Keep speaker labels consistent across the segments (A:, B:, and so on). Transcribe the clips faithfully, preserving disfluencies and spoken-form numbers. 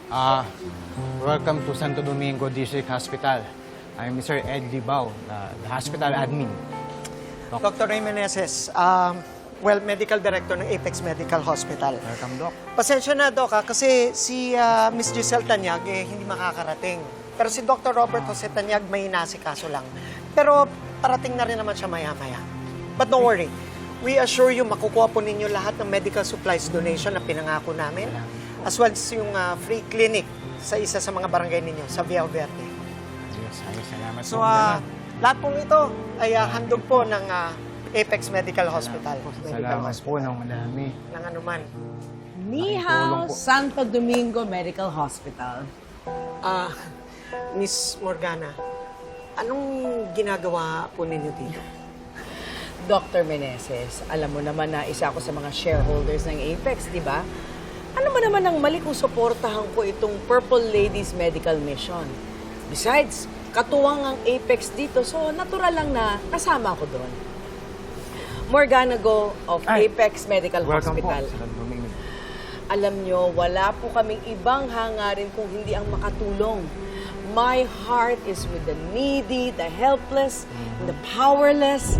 A: Ah, welcome to Santo Domingo District Hospital. I'm Mister Ed Libao, the, the hospital admin.
B: Doctor Ray Meneses, um, well, Medical Director ng Apex Medical Hospital.
A: Welcome, Doc.
B: Pasensya na, Doc, ha, kasi si uh, Miss Giselle Tanyag eh, hindi makakarating. Pero si Doctor Robert Jose Tanyag may nasikaso lang. Pero parating na rin naman siya maya-maya. But don't worry, we assure you makukuha po ninyo lahat ng medical supplies donation na pinangako namin, as well as yung uh, free clinic sa isa sa mga barangay ninyo, sa Villa Verde.
A: Yes, ay, salamat
B: So,
A: po.
B: uh, lahat pong ito ay uh, handog po ng uh, Apex Medical Hospital. Medical
A: Salamat
B: Hospital.
A: po ng madami.
B: Ng anuman.
C: Ni Hao, Santo Domingo Medical Hospital.
B: Ah, Miss Morgana, anong ginagawa po ninyo dito?
C: Doctor Meneses, alam mo naman na isa ako sa mga shareholders ng Apex, di ba? Ano mo naman ang mali kung suportahan ko itong Purple Ladies Medical Mission? Besides, katuwang ang Apex dito, so natural lang na kasama ko doon. Morgana Go of
A: Ay,
C: Apex Medical
A: Welcome
C: Hospital.
A: po, Santo Domingo.
C: Alam nyo, wala po kaming ibang hangarin kung hindi ang makatulong. My heart is with the needy, the helpless, the powerless.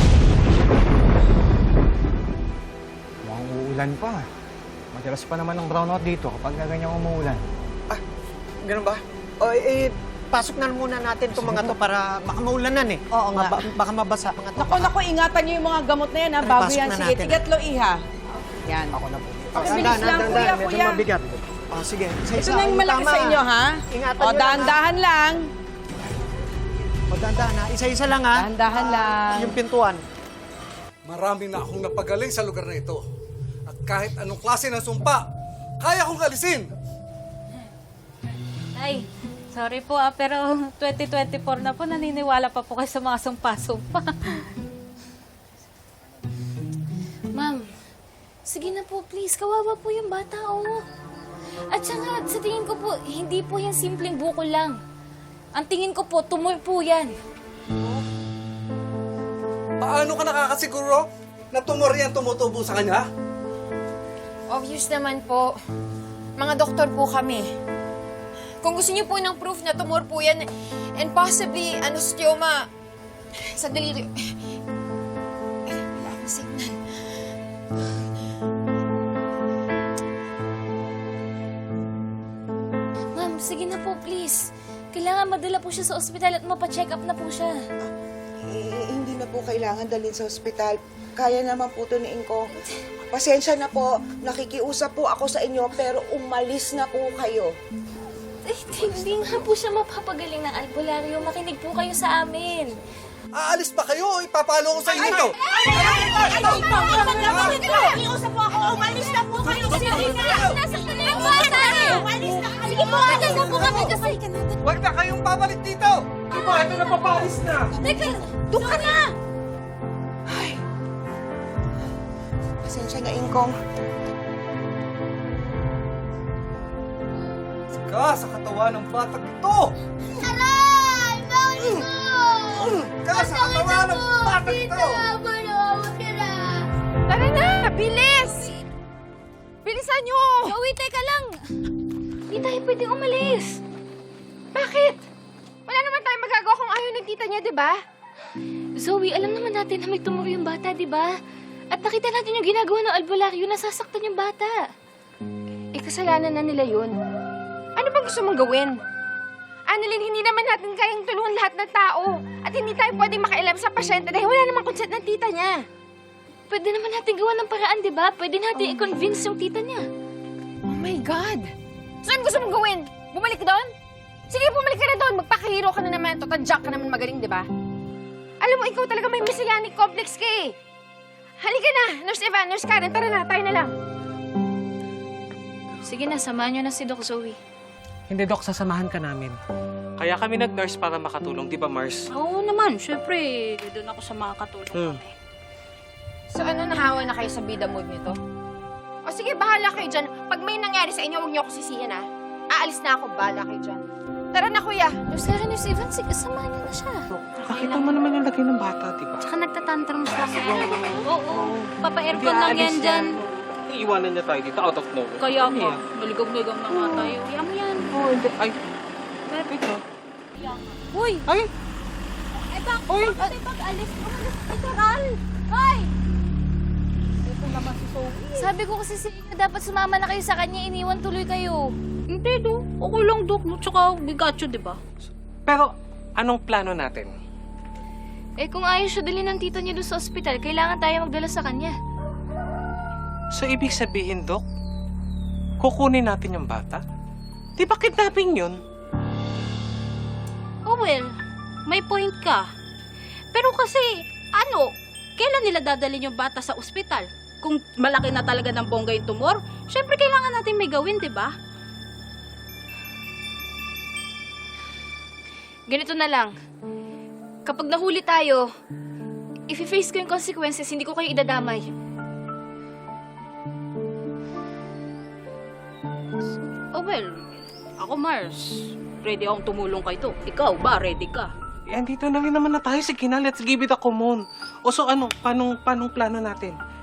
A: Mukhang uulan pa. Madalas pa naman ng brownout dito kapag ganyan umuulan.
B: Ah, ganun ba? O, eh, pasok na muna natin itong mga to para baka maulanan eh.
C: Oo nga.
B: Maba- baka mabasa mga to.
C: Naku, naku, ingatan nyo yung mga gamot na yan, ha?
B: Ay,
C: Bago
B: pasok
C: yan.
B: na
C: Sige,
B: natin.
C: tigatlo, iha. Yan.
B: Ako na po.
C: Pakibilis lang, kuya,
B: medyo
C: kuya.
B: mabigat. Oh, sige.
C: Ito na yung malaki sa inyo, ha?
B: Ingatan
C: O,
B: nyo lang,
C: dahan-dahan lang.
B: O, dahan-dahan ha. Isa-isa lang ha.
C: Dahan-dahan lang.
B: Yung pintuan.
D: Marami na akong napagaling sa lugar na ito. At kahit anong klase ng sumpa, kaya kong alisin.
E: Ay, sorry po ah, pero twenty twenty-four na po, naniniwala pa po kayo sa mga sumpa-sumpa.
F: Ma'am, sige na po please. Kawawa po yung bata, oh. At saka, sa tingin ko po, hindi po yan simpleng bukol lang. Ang tingin ko po, tumoy po yan.
D: Paano ka nakakasiguro na tumor yan tumutubo sa kanya?
G: Obvious naman po. Mga doktor po kami. Kung gusto niyo po ng proof na tumor po yan, and possibly anostomia, sandali. Eh, wala akong signal.
F: Ma'am, sige na po please. Kailangan madala po siya sa ospital at mapacheck up na po siya.
H: Eh, hindi na po kailangan dalhin sa ospital. Kaya naman po ito ni Inko. Pasensya na po. Nakikiusap po ako sa inyo, pero umalis na po kayo.
F: Eh, hindi nga po siya mapapagaling ng albularyo. Makinig po kayo sa amin.
D: Aalis ba kayo o ipapalo ko sa inyo?
F: Nakikiusap po ako. Umalis na po kayo. Sige na. Nasaktan na yung bata. Umalis na kayo. Sige po, alis na po kami kasi.
D: Huwag na kayong babalik dito! Diba, ito na papalis na!
F: Teka, doon ka na.
H: Pasensya na, Ingkong.
D: Ka sa katawan ng batang ito!
F: Aray! Bakit po?
D: Ka sa katawan ng batang ito!
G: Tara na! Bilis! Bilisan niyo!
F: Joey, teka lang. Hindi tayo pwedeng umalis.
G: Bakit? Wala naman tayong magagawa kung ayaw ng tita niya, di ba?
F: Zoe, alam naman natin na may tumor yung bata, di ba? At nakita natin yung ginagawa ng albularyo, nasasaktan yung bata.
G: Eh, kasalanan na nila yun. Ano bang gusto mong gawin? Annalyn, hindi naman natin kayang tulungan lahat ng tao. At hindi tayo pwedeng makialam sa pasyente dahil wala namang consent ng tita niya.
F: Pwede naman natin gawa ng paraan, di ba? Pwede natin i-convince yung tita niya.
G: Oh my God! So, ano gusto mong gawin? Bumalik doon? Sige, bumalik ka na doon. Magpakahiro ka na naman. Totadyak ka naman magaling, di ba? Alam mo, ikaw talaga may messianic complex ka eh. Halika na, Nurse Evan, Nurse Karen, tara na, tayo na lang.
F: Sige na, samahan niyo na si Doc Zoe.
I: Hindi, Dok, sasamahan ka namin. Kaya kami nag-nurse para makatulong, di ba, Mars?
E: Oo naman, syempre, doon ako sa mga katulong
I: Hmm.
E: kami.
G: So ano, nahawa na kayo sa bida mood nito? O sige, bahala kayo dyan. Pag may nangyari sa inyo, huwag niyo ako sisihin, ha? Aalis na ako, bahala kayo dyan. Tara na, kuya.
F: Nurse Karen, Nurse Evan, sige, samahan niyo na siya.
I: Nakita mo naman yung lagay ng bata, di ba?
E: Tsaka nagtatantrum siya. Oo, oo. Papa-aircon lang yan dyan.
I: Iiwanan niya tayo dito out of nowhere.
E: Kaya
I: Ano
E: nga,
I: yan?
E: maligaw-ligaw na nga tayo. Yan mo yan.
I: Oo, hindi. Ay, wait lang.
E: Uy!
I: Ay!
E: Ay, bak! Uy! Ay, bak! Alis! Umalis! Ito, Ral! Hoy! Ito naman si Sophie.
F: Sabi ko kasi sa inyo, dapat sumama na kayo sa kanya, iniwan tuloy kayo.
E: Hindi, do. Okay lang, Dok. Tsaka, we got you, di ba?
I: Pero, anong plano natin?
F: Eh kung ayaw siya dalhin ng tita niya doon sa ospital, kailangan tayo magdala sa kanya.
I: So, ibig sabihin, Dok, kukunin natin yung bata? Di ba kidnapping yun?
E: Oh, well, may point ka. Pero kasi, ano, kailan nila dadalhin yung bata sa ospital? Kung malaki na talaga ng bongga yung tumor, syempre kailangan natin may gawin, di ba?
F: Ganito na lang. Kapag nahuli tayo, if i-face ko yung consequences, hindi ko kayo idadamay.
E: Oh, well, ako, Mars, ready akong tumulong kay to. Ikaw ba, ready ka?
I: Eh, andito na rin naman na tayo. Sige na, let's give it a common. O so ano, panong, panong plano natin?